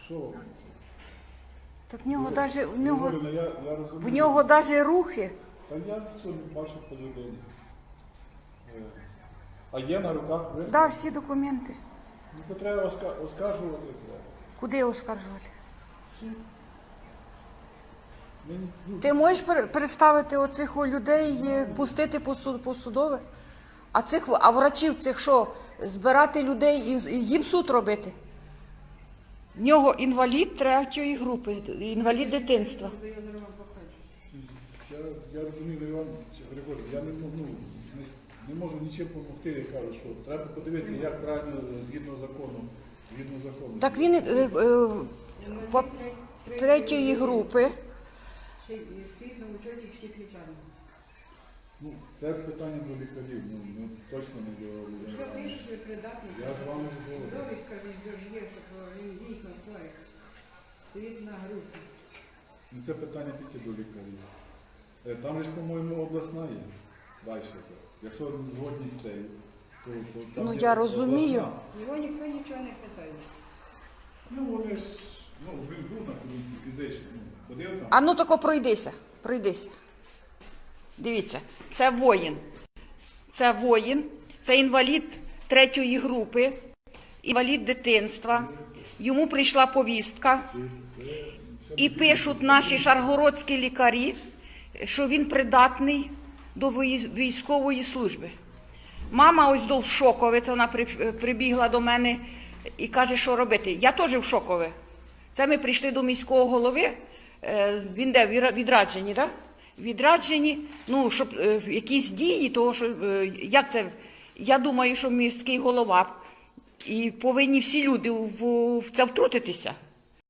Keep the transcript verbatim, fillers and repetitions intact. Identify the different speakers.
Speaker 1: Що?
Speaker 2: Так в нього навіть в нього,
Speaker 1: Говорю, я, я розумію.
Speaker 2: в нього навіть рухи.
Speaker 1: Та я сьогодні бачу по людині. Е, А є на руках виставки?
Speaker 2: Да, всі документи.
Speaker 1: Ну, то треба оска- оскаржувати. Треба.
Speaker 2: Куди оскаржувати?
Speaker 1: Мені, ну,
Speaker 2: Ти можеш пер- переставити оцих о людей, е, пустити по суд- по судове? А цих, а врачів цих що, збирати людей і з- і їм суд робити? В нього інвалід третьої групи, інвалід дитинства.
Speaker 1: я, я розумію, Іван Григорій, я не, можу, ну, не, не можу нічим допомогти, я кажу, що треба подивитися, як правильно згідно закону. Згідно закону.
Speaker 2: Так він е, е, по третьої групи.
Speaker 3: Стоїть на учеті всіх лікарень.
Speaker 1: Ну, це питання до лікарів, ну, ну точно не до
Speaker 3: Що
Speaker 1: людей.
Speaker 3: пишуть, ви придатні?
Speaker 1: Я з вами згоден.
Speaker 3: Довідка від Доржє, що він дійсно хворий. Стоїть на групі.
Speaker 1: Ну, це питання тільки до лікарів. Е, Там же ж, по-моєму, обласна є. Далі це. Якщо згодні з цією, то, то там
Speaker 2: Ну,
Speaker 1: є
Speaker 2: я розумію.
Speaker 1: обласна.
Speaker 3: Його ніхто нічого не питає.
Speaker 1: Ну, вони ж, ну, він був на комісії фізично, ну, ходив там.
Speaker 2: А ну тако пройдися, пройдися. Дивіться, це воїн. Це воїн, це інвалід третьої групи, інвалід дитинства. Йому прийшла повістка. І пишуть наші шаргородські лікарі, що він придатний до вої- військової служби. Мама ось до шокове, це вона при- прибігла до мене і каже, що робити. Я теж в шокове. Це ми прийшли до міського голови, е, він де, в відрадженні, так? Відрадженні, ну, щоб е, якісь дії, того, що, е, як це, я думаю, що міський голова, і повинні всі люди в, в це втрутитися.